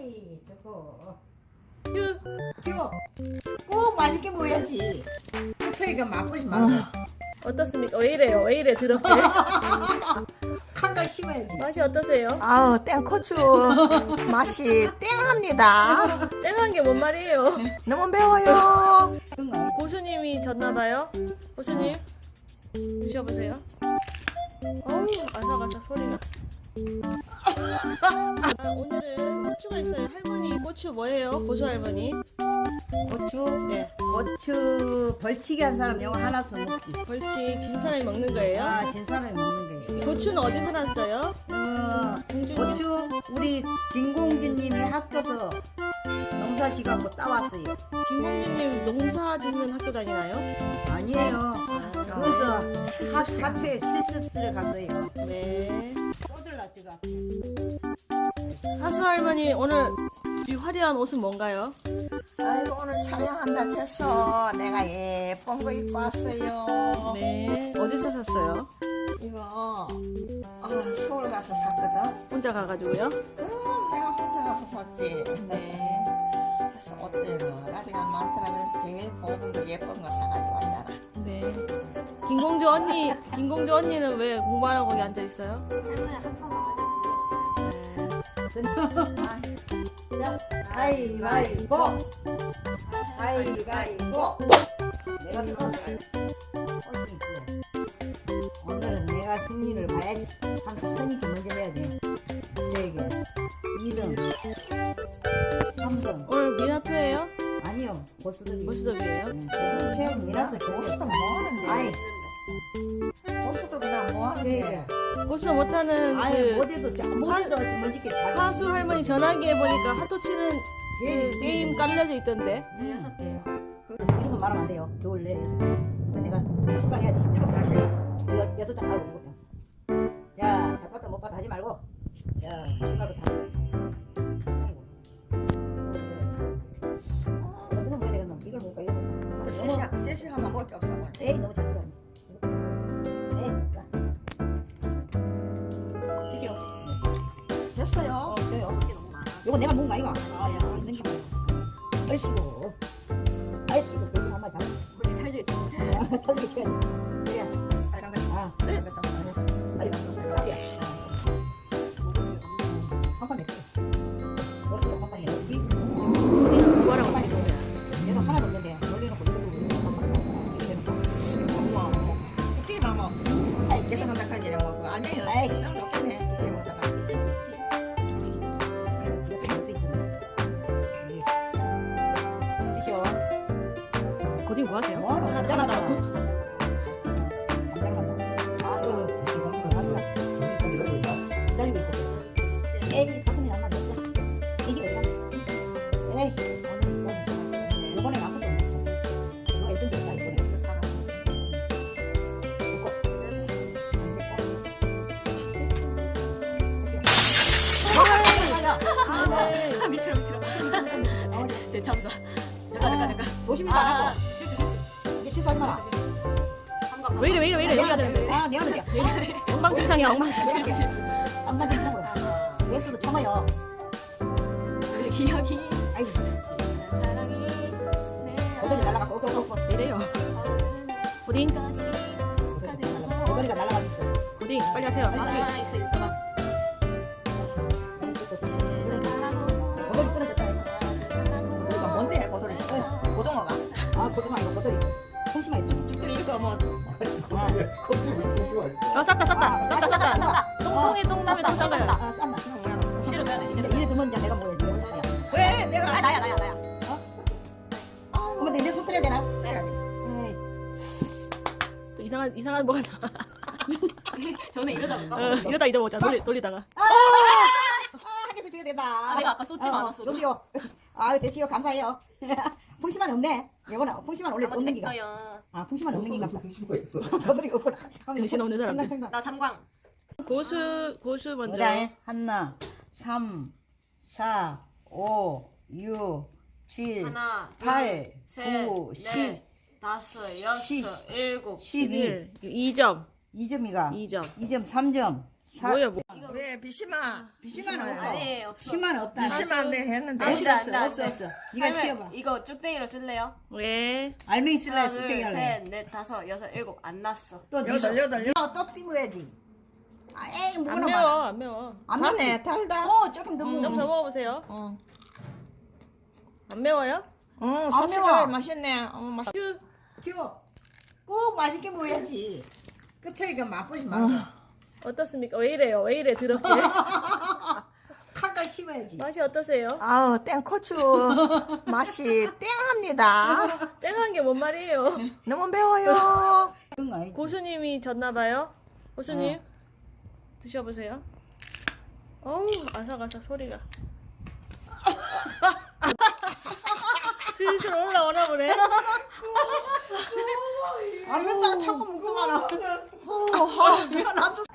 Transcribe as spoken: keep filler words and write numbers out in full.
아이 저거 그 키워 꼭 맛있게 먹어야지. 끝에가 맛보지 말고 어떻습니까? 왜 이래요? 왜 이래 더럽게? 칸각 씹어야지. 맛이 어떠세요? 아우 땡코추 맛이 땡합니다. 땡한 게 뭔 말이에요? 너무 매워요. 고수님이 졌나봐요. 고수님 드셔보세요. 어우 아삭아삭 소리가. 아, 오늘은 고추가 있어요. 할머니 고추 뭐예요? 고수 할머니. 고추 네. 고추 벌치기 한 사람 영어 하나 써먹기. 벌칙 진 사람이 먹는 거예요. 아, 진 사람이 먹는 거예요. 고추는 어디서 났어요? 어, 공주님. 고추 우리 김공주님이 학교서 농사 지갖고 따왔어요. 김공주님 농사 짓는 학교 다니나요? 아니에요. 그래서 학- 학교에 실습실에 갔어요. 네. 쪼들라 지가. 하수 할머니 오늘 이 화려한 옷은 뭔가요? 아이고 오늘 촬영한다 해서 내가 예쁜 거 입고 왔어요. 네. 어디서 샀어요? 이거 아, 서울 가서 샀거든. 혼자 가가지고요. 음, 내가 혼자 가서 샀지. 네. 그래서 어때요? 가지가 많더라. 그래서 제일 고운 거 예쁜 거 사가지고 왔잖아. 네. 김공주 언니, 김공주 언니는 왜 공부하라고 거기 앉아 있어요? 가위바위보. 가위바위보. 내가 승리. 오늘은 내가 승리를 봐야지. 항상 선이기 먼저 해야 돼. 세개 이 등 삼 등 오늘 미나표예요? 아니요 보스들이 보스톱이에요? 보스들 최고 미라도 보스도 뭐 하는데? 아이 보스도 그냥 뭐 하는데? 세개 고수 못하는 아이 그 모델도 자- 모델도 먼저게 잘 하수 할머니 전화기에 보니까 하도 치는 제일 그 게임 깔려져 있던데. 여섯 개요. 그 이런 거 말하면 안 돼요. 겨울 내 여섯 개. 근데 내가 출발해야지. 일곱 장씩. 여- 여섯 장 하고 일곱 장. 자, 잘 봤다 못 봤다 하지 말고. 자, 출발부터 하자. 아이고. 아, 어떤 거 먹어야 되겠노? 이걸 먹을까? 이걸 먹을까? 너무- 셋이 셋이 하면 볼게 없어 봐. 에이, 너무 잘 들어. 에이, 자. 드시오. 됐어요. 어, 저요. 요거 내가 먹은 거 아이가? 아, 야, 있는 게 많아. 얼씨구. 얼씨구. 돼지 한 마리 잡았어. 우리 살려 있어. 저기 쳐야 돼. 그래. 빨간 거. 아, 빨간 거. 아이고, 쌀이야. 한판 냈어. 넣었어, 한판 냈어. 어디는 공부하라고 하는 거야? 얘도 하나도 없는데, 놀려놓고 이거 두고 한판 냈어. 이렇게 해놓고. 엄마. 어떻게 나뭐 아이, 계산한다 하지 뭐 그거 아니에요. 아이. 그냥 먹긴 해. 그게 뭐다가. 이거 될수 있었네. 이게. 드시오. 고딩 뭐 하세요? 뭐하노? 하나 잠자러 하나 갔다. 나고. 잠자러 갔다. 아, 이거, 이거, 이거, 맞다. 기다리고 있어. 에이, 사슴이 안 맞았다. 이게 왜 맞아? 에이, 오늘 이거, 이번엔 아무것도 없네. 이거 일등 됐다, 이번에. 이거. 아, 밑으로 밑으로. 네, 참사. 잠깐 잠깐 잠깐. 조심히 안 하고. 이게 실수하지 마라. 왜 이래 왜 이래 왜 이래 내가 여기가 돼. 아, 내가 늦게. 엉망진창이야 엉망진창. 안만 괜찮고. 웹스도 참아요. 기억이 아이고, 사랑이 고돌이 날아가고, 오고, 오고, 오고. 이래요. 고딩 고돌이가 날아가고 있어. 고딩 빨리 하세요. 아, 있어 있어. 고돌이 끊어졌다. 이거 뭔데 고돌이? 고등어가. 아, 고등어 이거 고돌이. 통심아 있죠. 죽들이 이거 뭐 어 쌌다 쌌다 쌌다 쌌다. 똥똥이 똥놈이 똥 싼 거야. 아, 쌈나. 이대로 가야 돼. 이래, 이래 두면 이제 내가 먹어야지. 왜 내가 아 나야 나야 나야. 그러면 내 손 떼야 되나? 해야지. 에이, 또 이상한 이상한 뭐가 나. 저는 이러다 어, 이러다 잊어먹자. 돌리 돌리다가. 아, 하겠어 줘야 된다. 아, 내가 아까 쏟지 않았어. 주세요. 아, 대시요 감사해요. 풍심만 없네. 이거는 풍심만 원래 없는 기가. 아, 풍심만 없는 기가. 풍심가 있어. 고돌이 없구나. 정신 없는 사람들. 생각, 생각. 나 삼광. 고수 고수 먼저. 보자. 하나, 삼, 사, 오, 육, 칠, 하나, 팔, 셋, 구, 넷, 십, 다섯, 십. 여섯, 일곱. 십일. 일. 이 점. 이 점이가. 이 점. 이 점, 삼 점. 사, 뭐야 뭐. 네 왜 비심아? 비심한 없어. 아니 없어. 비심한 없다. 비심아 내 했는데. 아, 안 돼, 안 없어 돼, 안 없어 돼. 없어. 네가 할머니, 시켜봐. 이거 쭉대기로 쓸래요? 왜? 알맹이 쓸래 하나, 수탱이 둘, 할래. 셋, 넷, 다섯, 여섯, 일곱 안 났어. 또 여덟 여덟 여덟. 어, 또 띄워야지. 아, 에이 안 뭐나 매워 봐. 안 매워. 안 안네 달다. 어 조금 더 좀 먹어. 더 먹어보세요. 어. 안 매워요? 어, 매워. 섭취가 맛있네. 어, 맛. 휴. 키워. 꼭 맛있게 먹어야지. 끝에가 맛보지 말고. 어떻습니까? 왜 이래요? 왜 이래 더럽게? 칵칵 씹어야지. 맛이 어떠세요? 아우 땡코추 맛이 땡합니다. 땡한 게 뭔 말이에요? 너무 매워요. 그런 거 아니지. 고수님이 졌나봐요. 고수님 드셔보세요. 어우 아삭아삭 소리가. 슬슬 올라오나 보네. 안 맨다고 자꾸 먹고 말아. 어, 나도